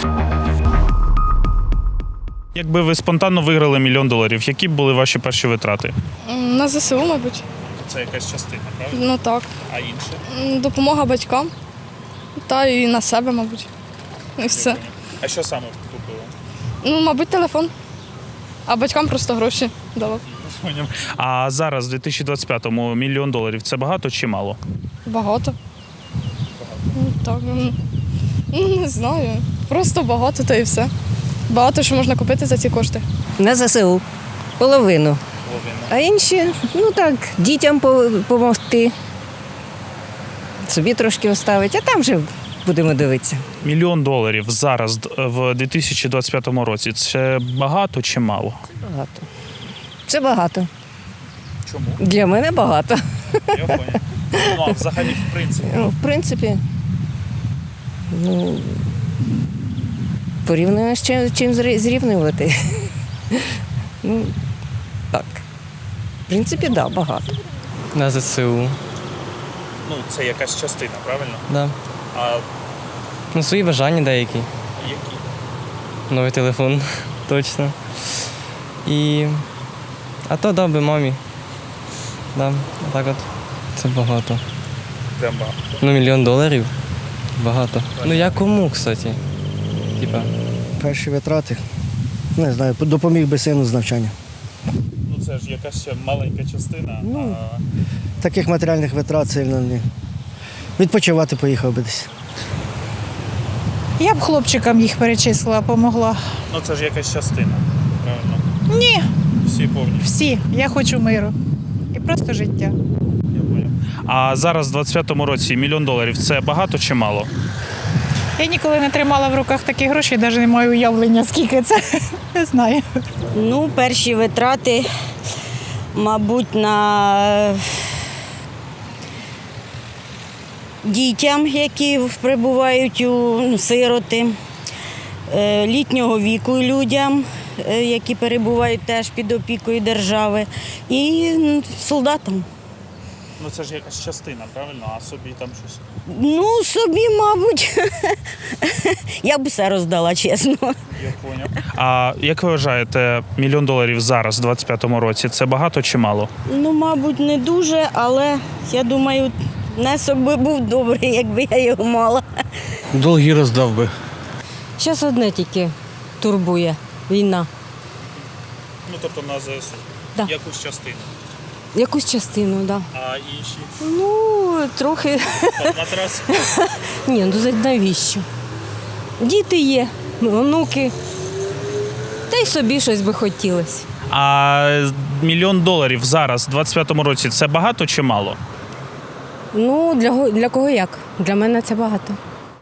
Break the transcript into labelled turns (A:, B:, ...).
A: Якби ви спонтанно виграли $1 мільйон, які б були ваші перші витрати?
B: На ЗСУ, мабуть.
A: Це якась частина, правильно?
B: Ну так.
A: А інше?
B: Допомога батькам. Та і на себе, мабуть. І все.
A: А що саме купили?
B: Ну, мабуть, телефон. А батькам просто гроші давав.
A: А зараз, в 2025-му, $1 мільйон – це багато чи мало?
B: Багато. Ну, так. Не знаю. Просто багато, та і все. Багато що можна купити за ці кошти.
C: На ЗСУ. Половину. А інші, ну так, дітям допомогти. Собі трошки оставити, а там вже будемо дивитися.
A: $1 мільйон зараз, в 2025 році – це багато чи мало?
C: Багато. Це багато.
A: Чому?
C: Для мене багато.
A: Я понял. Ну, а взагалі, в принципі?
C: Ну, в принципі, ну, порівняно з чим зрівнювати. Ну, так. В принципі, так, багато.
D: На ЗСУ.
A: Ну, це якась частина, правильно?
D: Да.
A: А
D: Ну, свої бажання деякі.
A: які?
D: Новий телефон, точно. І. А то дав би мамі. Да, так от. Це багато.
A: Прям багато.
D: Ну, $1 мільйон. Багато. Ну я кому, кстати? Типа.
E: Перші витрати. Не знаю, допоміг би сину з навчання.
A: Ну, це ж якась ще маленька частина.
E: Ну, Таких матеріальних витрат сильно не. Відпочивати поїхав би десь.
F: Я б хлопчикам їх перечислила, помогла.
A: Ну, це ж якась частина, правильно?
F: Ні,
A: Всі повні.
F: всі. Я хочу миру. І просто життя.
A: Я понял. А зараз, в 25-му році, $1 мільйон – це багато чи мало?
F: Я ніколи не тримала в руках такі гроші, навіть не маю уявлення, скільки це. Не знаю.
G: Ну, перші витрати, мабуть, на дітям, які прибувають у сироти, літнього віку людям, які перебувають теж під опікою держави, і солдатам.
A: Ну, це ж якась частина, правильно? А собі там щось?
G: Ну, собі, мабуть, я б все роздала, чесно.
A: Я поняв. А як ви вважаєте, $1 мільйон зараз, в 25-му році, це багато чи мало?
G: Ну, мабуть, не дуже, але я думаю, внесок би був добрий, якби я його мала.
E: Долги роздав би.
C: Зараз одне тільки турбує – війна.
A: Ну, тобто на ЗСУ.
C: Да.
A: Якусь частину.
C: Якусь частину, так. Да.
A: А інші?
C: Ну, трохи.
A: Матрас?
C: Ні, ну навіщо? Діти є, онуки. Та й собі щось би хотілося.
A: А $1 мільйон зараз, в 25-му році, це багато чи мало?
C: Ну, для кого як? Для мене це багато.